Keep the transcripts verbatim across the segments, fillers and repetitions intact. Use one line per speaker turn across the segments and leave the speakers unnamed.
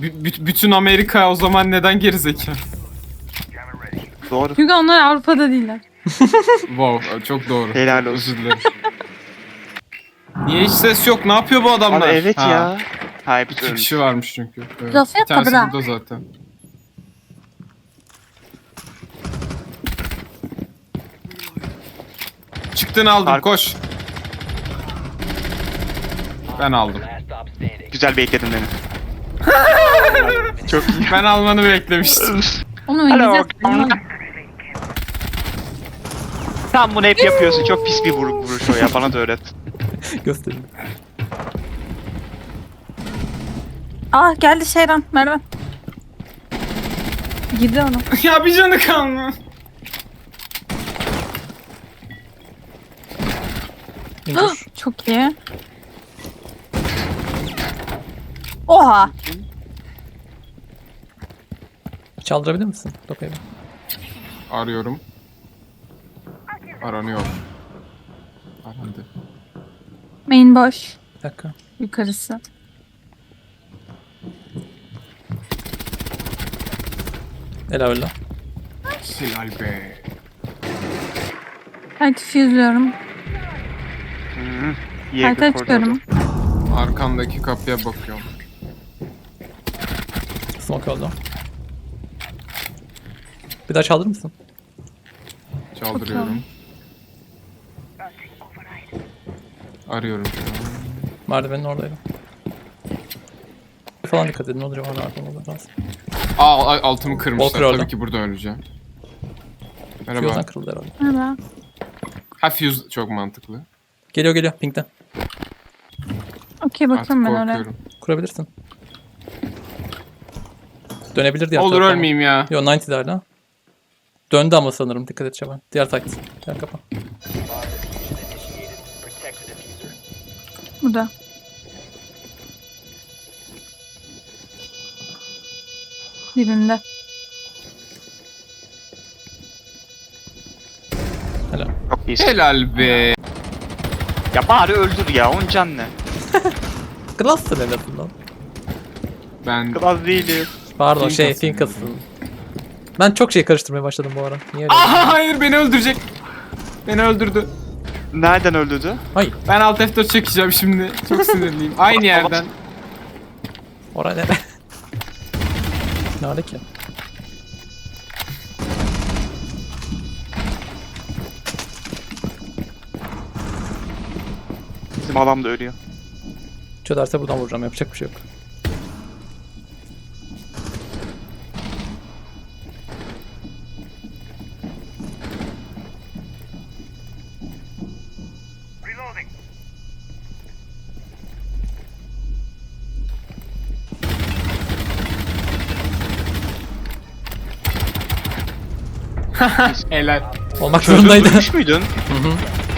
b- bütün Amerika o zaman neden gerizekalı?
Doğru.
Çünkü onlar Avrupa'da değiller.
Wow, çok doğru.
Helal olsun.
Özür dilerim. Niye hiç ses yok? Ne yapıyor bu adamlar?
Ama evet
Ha,
ya. Ha, hepsi
İki
ölmüş.
kişi varmış çünkü. Evet.
Laf
Bir
yok
tanesi
kadına.
burada zaten. Çıktığını aldım,
Ark-
koş. Ben aldım.
Güzel bekledin beni. Çok iyi.
Ben almanı beklemiştim.
Onu
Hello.
oynayacağız.
Sen bunu hep yapıyorsun. Çok pis bir vur vuruş o ya. Bana da öğret.
Göstereyim.
Ah geldi Şeyran, Merve. Girdi onu.
Ya bir canı kalma.
İndir.
Çok iyi. Oha.
Çaldırabilir misin? Topayı.
Arıyorum. Aranıyor. Arandı.
Main boş.
Bir dakika.
Yukarısı.
Ela öyle.
Helal be.
Ben füzlüyorum.
Hı. İyi
Harita
bir
çıkıyorum.
Arkamdaki kapıya bakıyorum.
Smoke oldu. Bir daha çaldırır mısın?
Çaldırıyorum. Arıyorum şu an.
Merdivenin oradaydı. Falan dikkat edin. Ne olur bana arkamda lazım.
Aa ay- altımı kırmışlar.
Walker orada.
Tabii ki burada öleceğim.
Fuse'dan
Merhaba.
kırıldı herhalde.
Merhaba.
Ha fuse çok mantıklı.
Geliyor geliyor. Pink'ten.
Okey
Artık
bakıyorum ben oraya.
korkuyorum.
Kurabilirsin. Dönebilir diğer
Olur
tarafa ama.
ölmeyeyim ya.
Yo doksan hala. Döndü ama sanırım. Dikkat et Şaban. Diğer site. Diğer kapı.
Burada. Dibimde.
Helal.
Çok iyisin.
Helal be.
Ya bari öldür ya. Onun can ne?
Glass'tır en azından.
Ben
Klas değilim.
Pardon şey
Finkas'ın.
Finkas'ın. Ben çok şey karıştırmaya başladım bu ara. Niye öyle?
Aha hayır beni öldürecek. Beni öldürdü.
Nereden öldürdü?
Hayır.
Ben alt F dört çekeceğim şimdi. Çok sinirliyim. Aynı yerden.
Oraya nere? Nerede ki?
Bizim adam da ölüyor.
Çözerse buradan vuracağım. Yapacak bir şey yok.
Helal.
Olmak
Çözdün,
zorundaydı.
duymuş muydun?
Hı hı.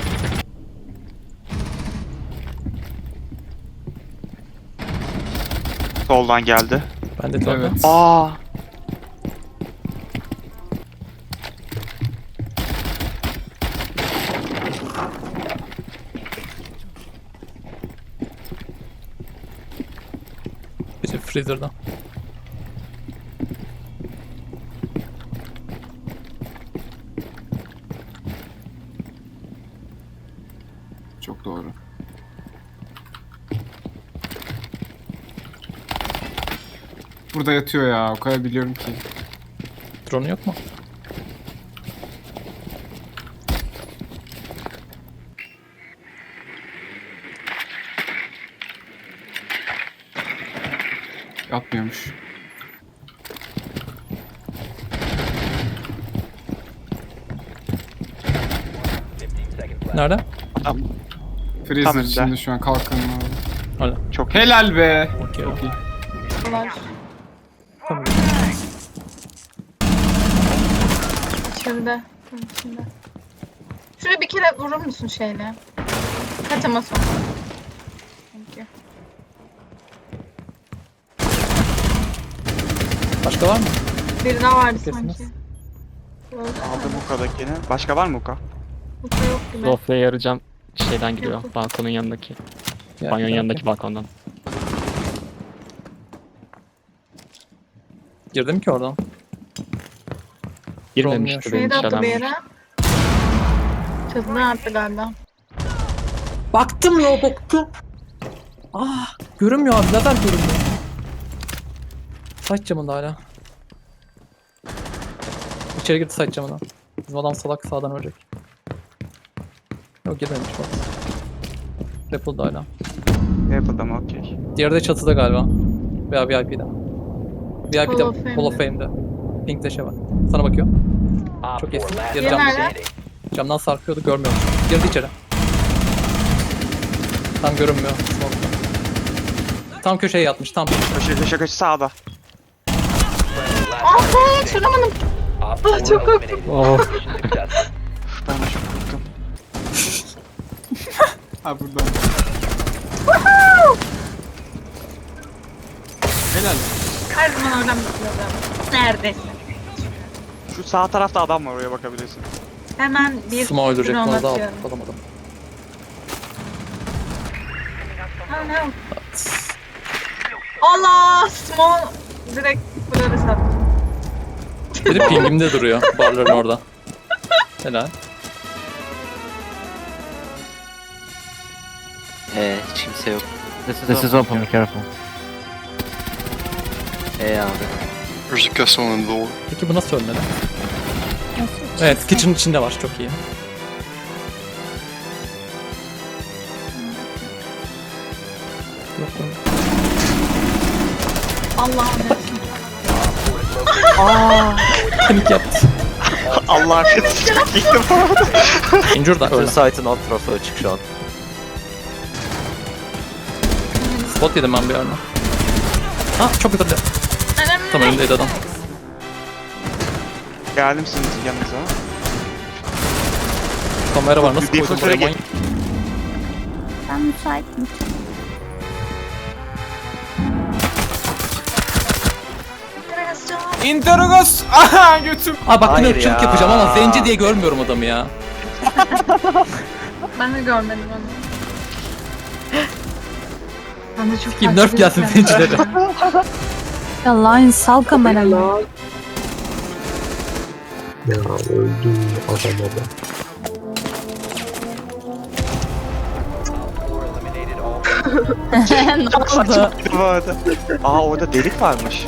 Soldan geldi.
Ben de evet.
Evet.
Aa.
Biri freezer'dan.
Çok doğru. Burada yatıyor ya. O kadar biliyorum ki.
Drone'u yok mu?
Yatmıyormuş.
Nerede?
Tamam.
Freezer
Tam
içinde
önde.
şu an kalkanın abi.
Hala.
Çok iyi.
Helal be.
Okey.
Çok iyi.
Var.
Tamam.
İçeride. Tam içinde. Şuraya bir kere vurur musun şeyle? Kaç ama son. Thank you.
Başka var mı?
Bir daha vardı
Kesiniz.
sanki.
Aldım Muka'dakini. Başka var mı Muka?
Bu da yok gibi.
Zofia yarayacağım şeyden giriyor. Balkonun yanındaki.
Ya,
Banyonun
ya,
yanındaki
okey.
balkondan.
Girdim ki oradan.
Girmemişti
Şeyi
benim
de attı bir
işlemem.
yere. Çatıdan attı galiba.
Baktım ya baktım. Ah görünmüyor abi lazer görünmüyor. Saç camında hala. İçeri girdi saç camına. Bizim adam salak sağdan ölecek. Yok girmemiş bak. Rappel'da hala.
Apple'da mı? Okey.
Diğeri de çatıda galiba. Veya V I P'de. V I P'de
Hall of Fame'de.
Hall of Fame'de. Pink taşa var. Sana bakıyor. Çok iyisin. Diğeri
Diğeri
camda.
nerede?
Camdan sarkıyordu görmüyorum. Girdi içeri. Tam görünmüyor. Smoke'da. Tam köşeye yatmış tam.
Köşe köşe köşe sağda.
Ah be çıramadım. Ah çok korktum.
Oh.
Ben de çok korktum.
Ha buradan. Helal.
Her zaman oradan bakıyordum. Neredesin?
Şu sağ tarafta adam var, oraya bakabilirsin.
Hemen bir
Smoke öldürecek.
drone
Onu da
atıyorum.
alamadım.
Oh no. Allah! Small direkt buraları sattım.
Biri pingimde duruyor. Barların orada. Helal.
Ee, hiç kimse yok.
This is open, be careful.
Ee abi.
There's a castle in the door.
Peki bu nasıl ölmedi? Evet, kitchen içinde var. Çok iyi. Yok, yok.
Allah'ım.
Panik yaptı.
Allah affetsin. Çok iyiydi bu arada.
Injure da
Ön
öyle.
site'ın alt tarafı açık şu an.
Spot yedim ben bir yerine. Ha çok yukarıda. Tam önündeydi adam.
Geldim sizin yanınıza.
Kamera var. Nasıl
Bir
koydun
fotoğrafı
buraya?
geç-
Ben müsaitim.
Interrogos. Aha götüm.
Aa bak yine
Hayır
ırkçılık
ya.
yapacağım ama zenci diye görmüyorum adamı ya.
Ben de görmedim onu. Ben de çok
Kim
farklı
nerf
bir
gelsin
insan.
zencilere.
Ya Lion sal kameramı.
Ya öldü adam orada.
Ne oldu?
Bu arada. Aa orada delik varmış.